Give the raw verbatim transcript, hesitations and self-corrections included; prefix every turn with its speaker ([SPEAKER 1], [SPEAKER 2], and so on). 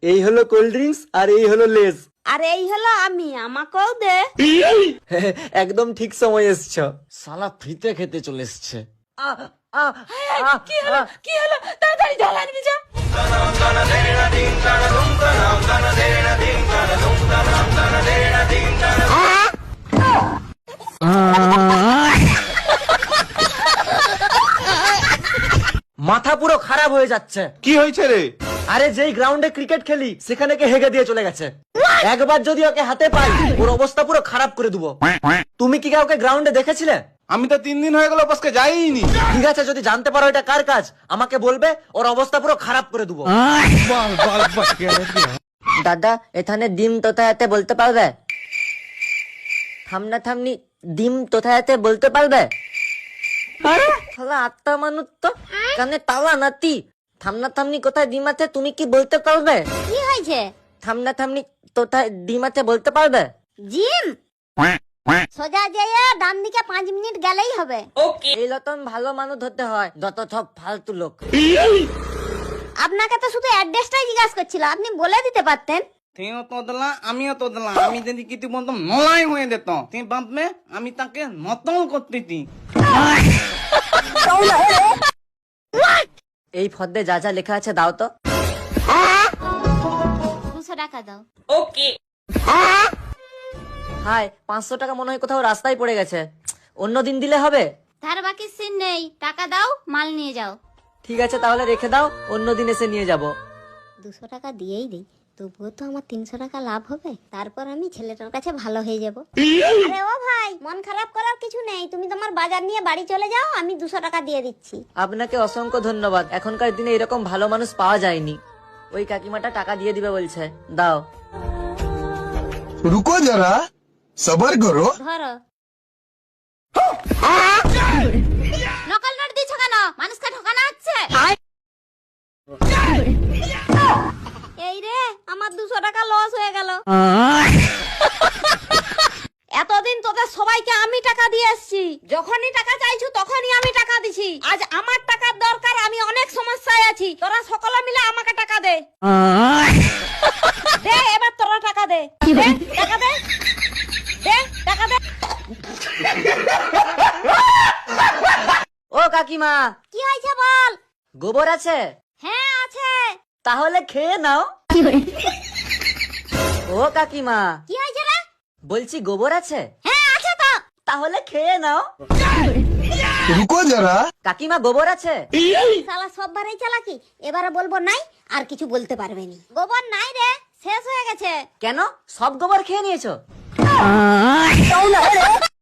[SPEAKER 1] এই হলো cold drinks আর এই হলো লেজ।
[SPEAKER 2] আর এই হলো আমি, আমাকেও দে।
[SPEAKER 1] একদম ঠিক সময় এসছো।
[SPEAKER 3] শালা ফ্রিতে খেতে চলে এসছে।
[SPEAKER 2] কি হলো কি হলো তাড়াতাড়ি জল আনবি যা।
[SPEAKER 1] মাথা পুরো খারাপ হয়ে যাচ্ছে।
[SPEAKER 4] কি হয়েছে রে?
[SPEAKER 1] আরে যেই গ্রাউন্ডে ক্রিকেট খেলি সেখানে কে হেগে দিয়ে চলে গেছে। একবার যদি ওকে হাতে পাই ওর অবস্থা পুরো খারাপ করে দেবো। তুমি কি কাউকে গ্রাউন্ডে দেখেছিলে?
[SPEAKER 4] আমি তো তিন দিন হয়ে গেল অফিসকে যাইনি।
[SPEAKER 1] ঠিক আছে, যদি জানতে পারো এটা কার কাজ আমাকে বলবে, ওর অবস্থা পুরো খারাপ করে দেবো।
[SPEAKER 5] দাদা এখানে ডিম কোথায় বলতে পারবে? থামনা থামনি ডিম কোথায় বলতে পারবে? শালা আত্মা মানুষ তো কানে তালা নাতি। থামনা থামনি কোথায় ডিম আছে তুমি কি বলতে পারবে?
[SPEAKER 2] কি হয়েছে?
[SPEAKER 5] থামনা থামনি কোথায় ডিম আছে বলতে পারবে?
[SPEAKER 2] জিম সোজা যেয়ে ডান দিকে পাঁচ মিনিট গেলেই হবে।
[SPEAKER 5] এই রকম ভালো মানুষ হতে হয়, যত সব ফালতু লোক।
[SPEAKER 2] আপনাকে তো শুধু অ্যাড্রেসটাই জিজ্ঞাসা করছিল, আপনি বলে দিতে পারতেন।
[SPEAKER 6] তুইও তো দিলা আমিও তো দিলাম। আমি যদি কিছু বলতাম নলাই হয়ে যেত। তুই ভাববে আমি তাকে নতল করতেছি।
[SPEAKER 5] এই ফর্দে যা যা লেখা আছে দাও তো।
[SPEAKER 2] দুশো টাকা দাও।
[SPEAKER 5] হাই, পাঁচশো টাকা মনে হয় কোথাও রাস্তায় পড়ে গেছে। অন্য দিন দিলে হবে?
[SPEAKER 2] তার বাকি সিন নেই, টাকা দাও, মাল নিয়ে যাও।
[SPEAKER 5] ঠিক আছে তাহলে রেখে দাও, অন্য দিন এসে নিয়ে যাব।
[SPEAKER 2] দুশো টাকা দিয়েই দিই, তবুও তো আমার তিনশো টাকা লাভ হবে। তারপর আমি ছেলেটার কাছে ভালো হয়ে যাব। আরে ও ভাই, মন খারাপ করার কিছু নেই, তুমি তোমার বাজার নিয়ে বাড়ি চলে যাও, আমি দুশো টাকা দিয়ে দিচ্ছি।
[SPEAKER 5] আপনাকে অসংখ্য ধন্যবাদ। এখনকার দিনে এরকম ভালো মানুষ পাওয়া যায়নি। ওই কাকিমাটা টাকা দিয়ে দিবে বলছে, দাও।
[SPEAKER 7] रुको जरा सबर करो।
[SPEAKER 2] ধরো। নকল নোট দিচ্ছ কেন? মানুষকে ঠকানো হচ্ছে। এই রে, আমার দুশো টাকা লস হয়ে গেল। এতদিন তোদের সবাইকে আমি টাকা দিয়ে এসছি, যখনই টাকা চাইছো তখনই আমি টাকা দিছি। আজ আমার টাকার দরকার, আমি অনেক সমস্যায় আছি, তোরা সকলে মিলে আমাকে টাকা দে। দে এবার তোরা টাকা দে। দে, টাকা দে। দে, টাকা দে।
[SPEAKER 5] ও কাকিমা,
[SPEAKER 2] কি হয়েছে বল?
[SPEAKER 5] গোবর আছে?
[SPEAKER 2] হ্যাঁ আছে।
[SPEAKER 5] তাহলে খেয়ে নাও। ও কাকিমা,
[SPEAKER 2] কি হয়েছে রে?
[SPEAKER 5] বলছি গোবর আছে?
[SPEAKER 2] হ্যাঁ আছে তো।
[SPEAKER 5] তাহলে খেয়ে নাও।
[SPEAKER 7] रुको जरा
[SPEAKER 5] কাকিমা গোবর আছে?
[SPEAKER 2] শালা সববারই চালাকি, এবারে বলবো নাই, আর কিছু বলতে পারবে নি। গোবর নাই রে, শেষ হয়ে গেছে।
[SPEAKER 5] কেন, সব গোবর খেয়ে নিয়েছো?